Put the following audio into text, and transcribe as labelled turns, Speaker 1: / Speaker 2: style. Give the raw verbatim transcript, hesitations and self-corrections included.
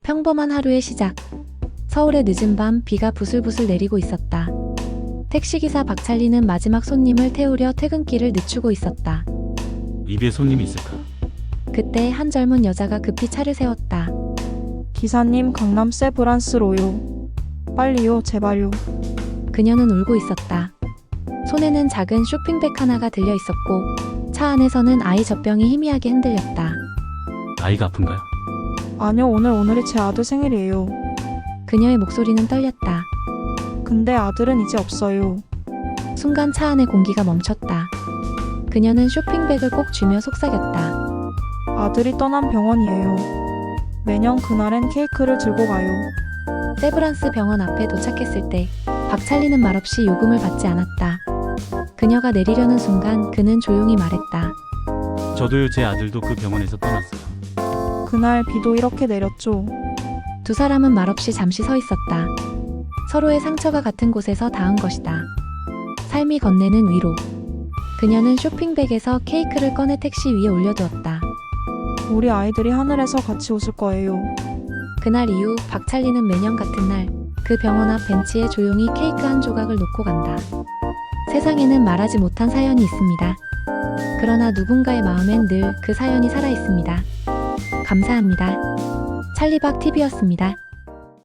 Speaker 1: 평범한 하루의 시작. 서울의 늦은 밤 비가 부슬부슬 내리고 있었다. 택시기사 박찰리는 마지막 손님을 태우려 퇴근길을 늦추고 있었다.
Speaker 2: 입에 손님이 있을까?
Speaker 1: 그때 한 젊은 여자가 급히 차를 세웠다.
Speaker 3: 기사님, 강남 세브란스로요. 빨리요, 제발요.
Speaker 1: 그녀는 울고 있었다. 손에는 작은 쇼핑백 하나가 들려 있었고 차 안에서는 아이 젖병이 희미하게 흔들렸다.
Speaker 2: 아이가 아픈가요?
Speaker 3: 아니요, 오늘 오늘이 제 아들 생일이에요.
Speaker 1: 그녀의 목소리는 떨렸다.
Speaker 3: 근데 아들은 이제 없어요.
Speaker 1: 순간 차 안의 공기가 멈췄다. 그녀는 쇼핑백을 꼭 쥐며 속삭였다.
Speaker 3: 아들이 떠난 병원이에요. 매년 그날엔 케이크를 들고 가요.
Speaker 1: 세브란스 병원 앞에 도착했을 때 박찰리는 말없이 요금을 받지 않았다. 그녀가 내리려는 순간 그는 조용히 말했다.
Speaker 2: 저도요, 제 아들도 그 병원에서 떠났어요.
Speaker 3: 그날 비도 이렇게 내렸죠.
Speaker 1: 두 사람은 말없이 잠시 서 있었다. 서로의 상처가 같은 곳에서 닿은 것이다. 삶이 건네는 위로. 그녀는 쇼핑백에서 케이크를 꺼내 택시 위에 올려두었다.
Speaker 3: 우리 아이들이 하늘에서 같이 웃을 거예요.
Speaker 1: 그날 이후 박찰리는 매년 같은 날 그 병원 앞 벤치에 조용히 케이크 한 조각을 놓고 간다. 세상에는 말하지 못한 사연이 있습니다. 그러나 누군가의 마음엔 늘 그 사연이 살아 있습니다. 감사합니다. 찰리박 티비였습니다.